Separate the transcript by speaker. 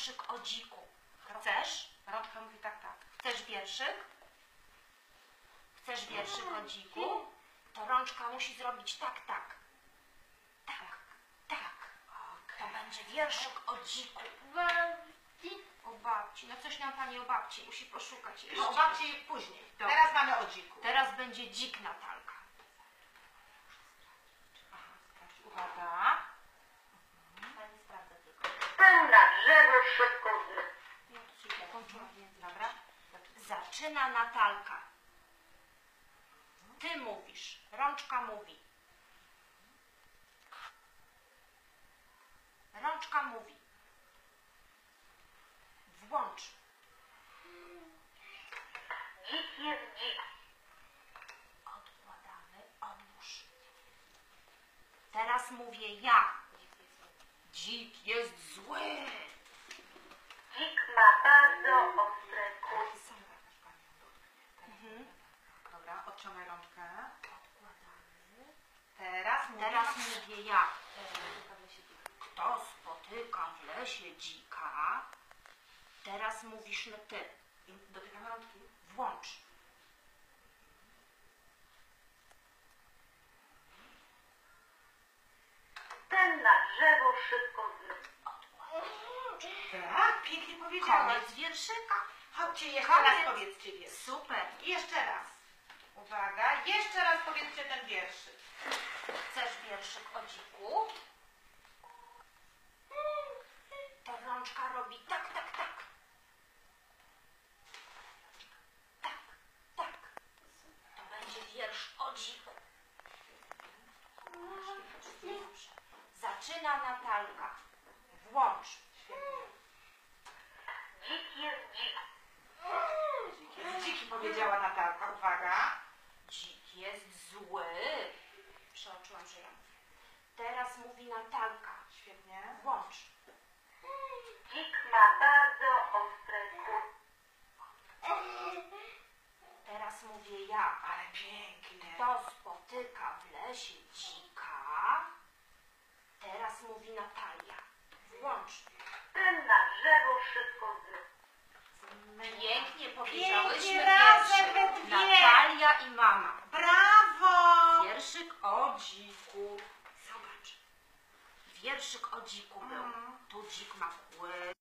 Speaker 1: wierszyk o dziku. Chcesz?
Speaker 2: Rączka mówi tak, tak.
Speaker 1: Chcesz wierszyk? Chcesz wierszyk o dziku? To rączka musi zrobić tak, tak. Tak, tak. To będzie wierszyk o dziku. O babci. No coś nam pani o babci musi poszukać jeszcze.
Speaker 2: No, o babci później.
Speaker 1: Dobra.
Speaker 2: Teraz mamy o dziku.
Speaker 1: Teraz będzie dzik Natalka.
Speaker 2: Uwaga.
Speaker 1: Pani sprawdza tylko.
Speaker 3: Ten na drzewo szybko
Speaker 2: Dobra.
Speaker 1: Zaczyna Natalka. Ty mówisz. Rączka mówi. Rączka mówi. Włącz.
Speaker 3: Dzik jest dzik.
Speaker 1: Odkładamy. Odłóż. Teraz mówię ja. Dzik jest zły.
Speaker 3: Dzik ma bardzo ostre kły.
Speaker 2: Dobra, odciągaj rączkę.
Speaker 1: Odkładamy.
Speaker 2: Teraz mówię.
Speaker 1: Teraz mówię ja. Kto spotyka w lesie dzika? Teraz mówisz no ty.
Speaker 2: Dotykamy rączki.
Speaker 1: Włącz.
Speaker 3: Ten na drzewo szybko
Speaker 2: Tak, pięknie powiedziałaś.
Speaker 1: Koniec wierszyka.
Speaker 2: Chodźcie, jeszcze
Speaker 1: Koniec.
Speaker 2: raz powiedzcie wiersz.
Speaker 1: Super.
Speaker 2: I jeszcze raz. Uwaga, jeszcze raz powiedzcie ten wierszyk.
Speaker 1: Chcesz wierszyk o dziku? To rączka robi tak, tak, tak. Tak, tak. To będzie wiersz o dziku. Dobrze. Zaczyna Natalka. Włącz.
Speaker 3: Dzik jest dzik.
Speaker 2: Dziki powiedziała Natalka. Uwaga.
Speaker 1: Dzik jest zły. Przeoczyłam, że ja mówię. Teraz mówi Natalka.
Speaker 2: Świetnie.
Speaker 1: Włącz.
Speaker 3: Dzik ma bardzo ostre kły.
Speaker 1: Teraz mówię ja.
Speaker 2: Ale pięknie.
Speaker 1: Kto spotyka w lesie dzika? Teraz mówi Natalia. Włącz.
Speaker 3: Ten na drzewo szybko
Speaker 1: Pięknie powiedziałyśmy
Speaker 2: Pięknie razem we
Speaker 1: wierszyk.
Speaker 2: dwie.
Speaker 1: Natalia i mama.
Speaker 2: Brawo!
Speaker 1: Wierszyk o dziku. Zobacz. Wierszyk o dziku był. Tu dzik ma kły.